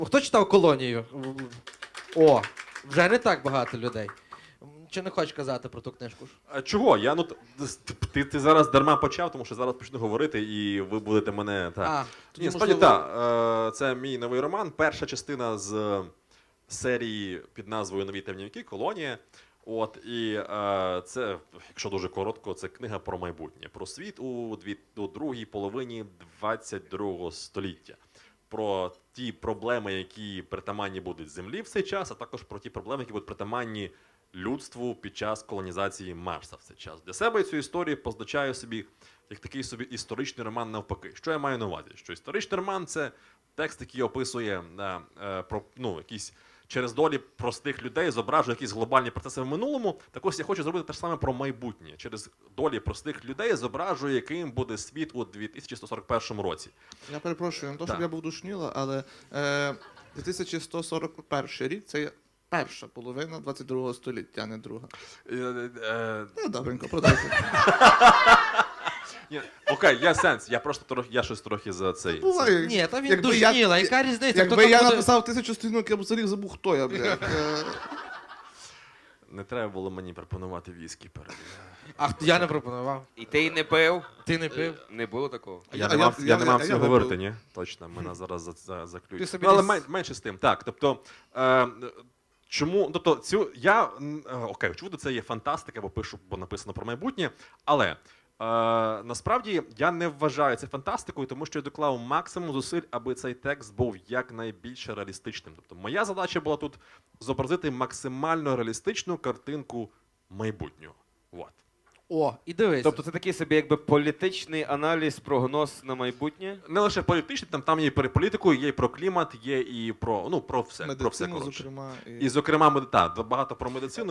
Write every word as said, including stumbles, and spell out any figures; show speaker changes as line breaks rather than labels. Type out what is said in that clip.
Хто читав «Колонію»? О, вже не так багато людей. Чи не хочеш казати про ту книжку?
А чого? Я, ну, ти, ти зараз дарма почав, тому що зараз почну говорити, і ви будете мене... Так.
А,
Ні, справді, так. Це мій новий роман. Перша частина з серії під назвою «Нові темнівки», «Колонія». От, і е, це, якщо дуже коротко, це книга про майбутнє, про світ у, дві, у другій половині двадцять другого століття. Про ті проблеми, які притаманні будуть землі в цей час, а також про ті проблеми, які будуть притаманні людству під час колонізації Марса в цей час. Для себе я цю історію позначаю собі як такий собі історичний роман навпаки. Що я маю на увазі? Що історичний роман – це текст, який описує е, е, про, ну, якісь через долі простих людей, зображує якісь глобальні процеси в минулому. Так ось я хочу зробити те ж саме про майбутнє. Через долі простих людей зображує, яким буде світ у дві тисячі сто сорок першому році.
Я перепрошую, не то, щоб
Так.
я був душніла, але е, дві тисячі сто сорок перший рік – це є перша половина двадцять другого століття, а не друга.
Е, е,
Ну, добренько, продовжуй.
ні, окей, є сенс. Я просто трохи, я щось трохи за цей.
Буває.
Ні, та він
Якби я-
душніла, яка різниця?
Якби
Хто там
я
буде-
написав тисячу сторінок, я б взагалі забув, хто я, блядь. Е,
Не треба було мені пропонувати віскі перед.
А я не пропонував.
І ти й не пив?
Ти не пив?
Не було такого.
Я,
А
не
я-
мав, я,
я-
не
я-
мав
я
цього
випив.
говорити, ні? Точно, мене зараз за, за,
Ти
заключать.
собі
Ну, але
не
мен, менше з тим. Так, тобто, е, чому, тобто, цю, я, м, е, окей, очевидно, це є фантастика, бо пишу, бо написано про майбутнє, але е, насправді я не вважаю це фантастикою, тому що я доклав максимум зусиль, аби цей текст був якнайбільше реалістичним. Тобто, моя задача була тут зобразити максимально реалістичну картинку майбутнього. Вот.
О, і дивись.
Тобто це такий собі якби політичний аналіз, прогноз на майбутнє?
Не лише політичний, там, там є і про політику, є і про клімат, є і про, ну, про все. Про все,
Медицину,
коротше.
зокрема.
І, зокрема, мед- та, багато про медицину.